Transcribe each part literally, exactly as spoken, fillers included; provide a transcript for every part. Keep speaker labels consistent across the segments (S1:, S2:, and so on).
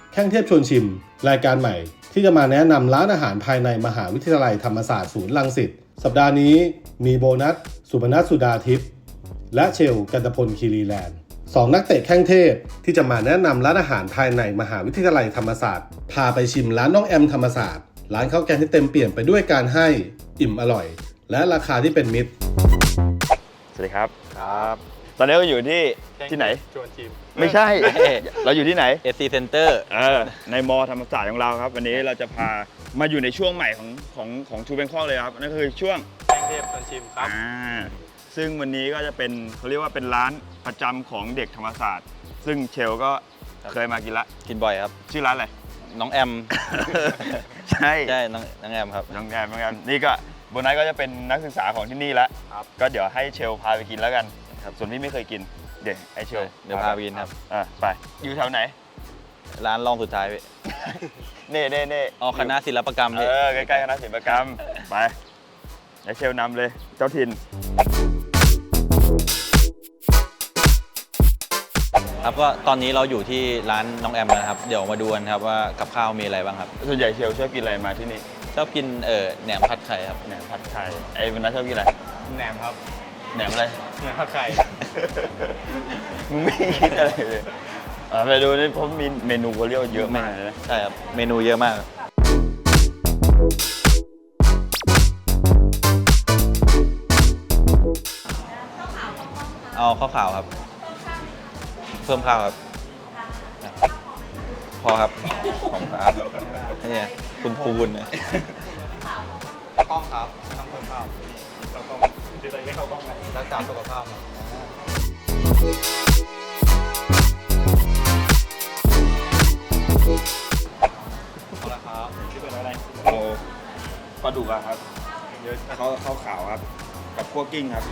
S1: แข้งเทพชวนชิมรายการใหม่ที่จะมาแนะนำร้านอาหารภายในมหาวิทยาลัยธรรมศาสตร์ศูนย์รังสิตสัปดาห์นี้มีโบนัสสุพนัสสุดาทิพย์และเชลกันตพลคีรีแลนด์สองนักเตะแข้งเทพที่จะมาแนะนำร้านอาหารภายในมหาวิทยาลัยธรรมศาสตร์พาไปชิมร้านน้องแอมธรรมศาสตร์ร้านข้าวแกงที่เต็มเปี่ยมไปด้วยการให้อิ่มอร่อยและราคาที่เป็นมิตร
S2: สวัสดีครับครับตอนนี้เราอยู่ที่ที่ไหนชวนชิมไม่ใช่ เราอยู่ที่ไหน
S3: เอ ซี Center
S2: เออในมอธรรมศาสตร์ของเราครับวันนี้เราจะพามาอยู่ในช่วงใหม่ของของของทูแบงคอกเลยครับนั่นคือช่วง
S4: แข้งเทพชวนชิมครับ
S2: อ่าซึ่งวันนี้ก็จะเป็นเขาเรียกว่าเป็นร้านประจำของเด็กธรรมศาสตร์ซึ่งเชลก็เคยมากินละ
S3: กินบ่อยครับ
S2: ชื่อร้านอะไร
S3: น้องแอม
S2: ใช่
S3: ใช่น้องน้องแอมครับ
S2: น้องแอมน้องแอมนี่ก็โบนัสก็จะเป็นนักศึกษาของที่นี่แล้วก็เดี๋ยวให้เชลพาไปกินแล้วกันครับส่วนพี่ไม่เคยกินเดี๋ยวไอเชล
S3: เดี๋ยวพาไปกินครับ
S2: อ่ะไปอยู่แถวไหน
S3: ร้านรองสุดท้ายพี่
S2: เน่เน่เน่
S3: อ๋อคณะศิลปกรรม
S2: เออใกล้ๆคณะศิลปกรรมไปไอเชลนำเลยเจ้าถิ่น
S3: ครับก็ตอนนี้เราอยู่ที่ร้านน้องแอมแล้วครับเดี๋ยวมาดูกันครับว่ากับข้าวมีอะไรบ้างครับ
S2: ส่วนใหญ่เชลชอบกินอะไรมาที่นี่
S3: ชอบกินเออแหนมผัดไข่ครับ
S2: แหนมผัดไข่ไอ้วันนั้นชอบกินอะไร
S4: แหนมครับ
S2: แหนมอะไร
S4: แหนมผัดไข่
S2: มึงไม่คิดอะไรเลยอ่าไปดูนี่ผมมีเมนูเขาเรียกเยอะมากเลยนะ
S3: ใช่ครับเมนูเยอะมากเอาข้าวขาวครับเพิ่มข้าวครับพอครับของครับนี่คุณครูบุญนะ
S4: กล้องครับทำเพิ่มข้าวเราต้องจะได้ไม่เข้ากล้องเลยรักษาสุขภาพเอาละครับชื่อเป็นอะไร
S2: โอ้ปลาดุกอะครับเยอะเขาเขาขาวครับกับคั่วกิ้งครับ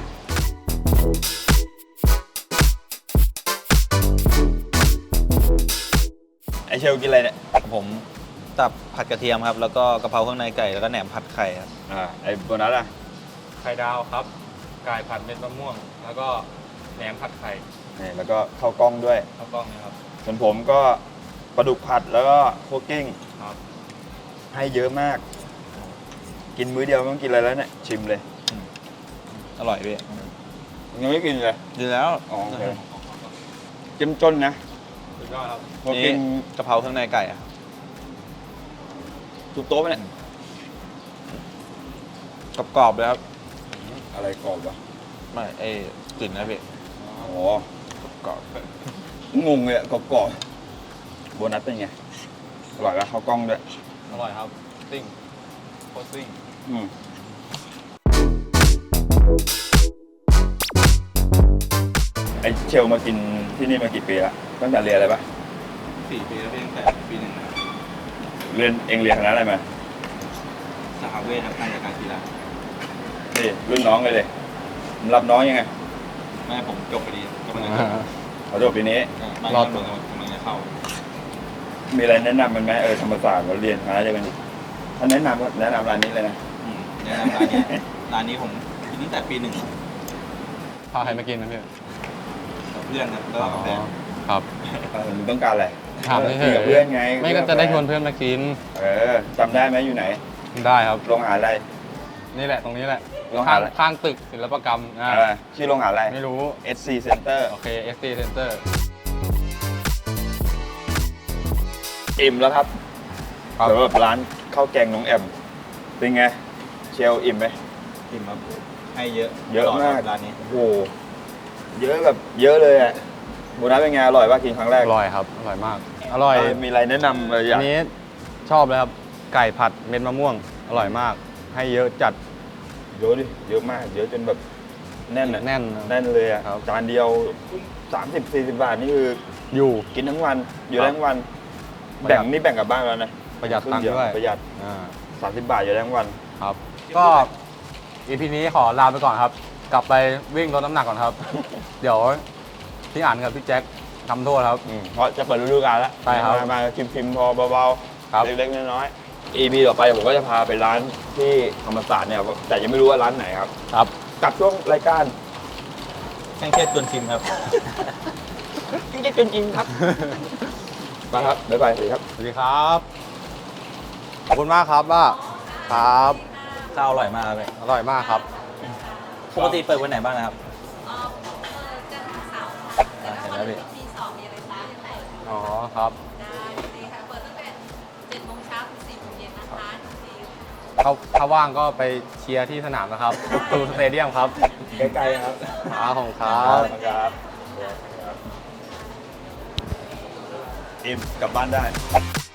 S2: ไอเชลกินอะไรเนี่ย
S3: ผมตับผัดกระเทียมครับแล้วก็กะเพราเครื่องในไก่แล้วก็แหนมผัดไข่ครับ
S2: อ่าไอโบนัสอะ
S4: ไข่ดาวครับไก่ผัดเม็ดมะม่วงแล้วก็แหนมผัดไข่
S2: นี่แล้วก็ข้าวกล้องด้วย
S4: ข้าวกล้องนะครับ
S2: ส่วนผมก็ปลาดุกผัดแล้วก็คั่วกิ้ง
S4: ครับ
S2: ให้เยอะมากกินมื้อเดียวไม่ต้องกินอะไรแล้วเนี่ยชิมเลย
S3: อร่อยพี่
S2: ยังไม่กินเลย
S3: ดีแล้ว
S2: อ๋อโอเคเจ้มจนนะ
S4: สุดยอดครับ
S3: นี่กะเพราเครื่องในไก่อะ
S2: ทุบโต๊ะไปเนี่ย
S3: กรอบๆเลยครับ
S2: อะไรกรอบวะ
S3: ไม่ไอ้กลิ่นนะพี่
S2: อ๋อกรอบงงเลยอะกรอบๆโบนัสเป็นไงอร่อยปะข้าวกล้องด้วย
S4: อร่อยครับซิ่งโคตรซิ่ง
S2: อืมไอเชลมากินที่นี่มากี่ปีละตั้งแต่เรียนอะไรปะ
S4: สี่ปีแล้วพี่ตั้งแต่ปีหนึ่ง
S2: เรียนเองเรียนคณะอะไรมา
S4: สหเวชครับการจัดการกีฬา
S2: นี่รุ่นน้องเลยเลยรับน้องยังไง
S4: แม่ผมจบพอดีกำลัง
S2: จะเขาจบปีนี้
S4: รอดตัวกำลังจะเข้า
S2: มีอะไรแนะนำมันไหมเออธรรมศาสตร์เราเรียนคณะเดียวกันดิถ้าแนะนำแนะนำร้านนี้เลยนะ
S4: แนะนำร้านนี้ร้านนี้ผมกินตั้งแต่ปีหนึ่ง
S3: พาใครมากินนะพี่
S4: เพื่อนครับก็แฟน
S3: ครับ
S2: มึงต้องการอะไร
S3: ถาม
S2: เพื่อนเพื่อนไง
S3: ไม่ก็จะได้ชวนเพื่อนมากิน
S2: เออจำได้ไหมอยู่ไหน
S3: ได้ครับ
S2: โรงอาหารอะไร
S3: นี่แหละตรงนี้แหละ
S2: ข้าง
S3: ข้างตึกศิลปกรรม
S2: ชื่อโรงอาหารอะไร
S3: ไม่รู้
S2: เอส ซี Center
S3: โอเค เอส ซี Center
S2: อิ่มแล้วครับสำหรับร้านข้าวแกงน้องแอมเป็นไงเชลอิ่มไหม
S4: อิ่มครับให้เยอะ
S2: เยอะมาก
S4: ร้านนี้
S2: โอ้โหเยอะแบบเยอะเลยอ่ะโบนัสเป็นไงอร่อยป่ะกินครั้งแรก
S3: อร่อยครับอร่อยมากอร่อย
S2: มีอะไรแนะนำอะไรอย่าง
S3: นี้ชอบเลยครับไก่ผัดเม็ดมะม่วงอร่อยมากให้เยอะจัด
S2: เยอะดิเยอะมากเยอะจนแบบแน่น
S3: แน่น
S2: แน่นเลยอ่ะจานเดียวสามสิบสี่สิบบาทนี่คือ
S3: อยู่
S2: กินทั้งวันอยู่ทั้งวันแบ่งนี่แบ่งกับบ้านแล้วนะ
S3: ประหยัดตังค์ด้วย
S2: ประหยัดสามสิบบาทอยู่ทั้งวัน
S3: ครับก็อีพีนี้ขอลาไปก่อนครับกลับไปวิ่งลดน้ำหนักก่อนครับเดี๋ยวพี่อ่านกับพี่แจ็คทำโทษครับ
S2: เพราะจะเปิดฤดูกาลแล้ว
S3: ใช่ครับ
S2: มาชิมๆพอเบาๆเล็กๆน้อยๆ อี พี ต่อไปผมก็จะพาไปร้านที่ธรรมศาสตร์เนี่ยแต่ยังไม่รู้ว่าร้านไหนครับ
S3: ครับ
S2: กับช่วงรายการ
S4: แข้งเทพชวนชิมครับ
S2: แข้งเทพชวนชิมครับมาครับบ๊ายบายสวัสดีครับ
S3: สวัสดีครับ ขอบคุณมากครับว่าครับ
S4: ข้าวอร่อยมากเลย
S3: อร่อยมากครับ
S4: ปกติเปิดวันไหนบ้างนะครับ
S5: เอ่อเปิดจันทร์ถึงเสาร์ค่ะแต่
S4: อ่า
S5: ถ้า
S4: เห็
S5: วัน น
S4: แล้วพี่
S5: ที่สองมีอะไรคะได้
S3: อ๋อครับ
S5: ดีค่ะ เปิดตั้งแต่เจ็ดโมงเช้าถึงสี่โมงเย็นนะคะดี
S3: ถ้าถ้าว่างก็ไปเชียร์ที่สนามนะครับตูสเตเดียมครับ
S4: ใกล้ๆครับ
S3: ครับผมครับ
S2: ครับ อิ่มกลับบ้านได้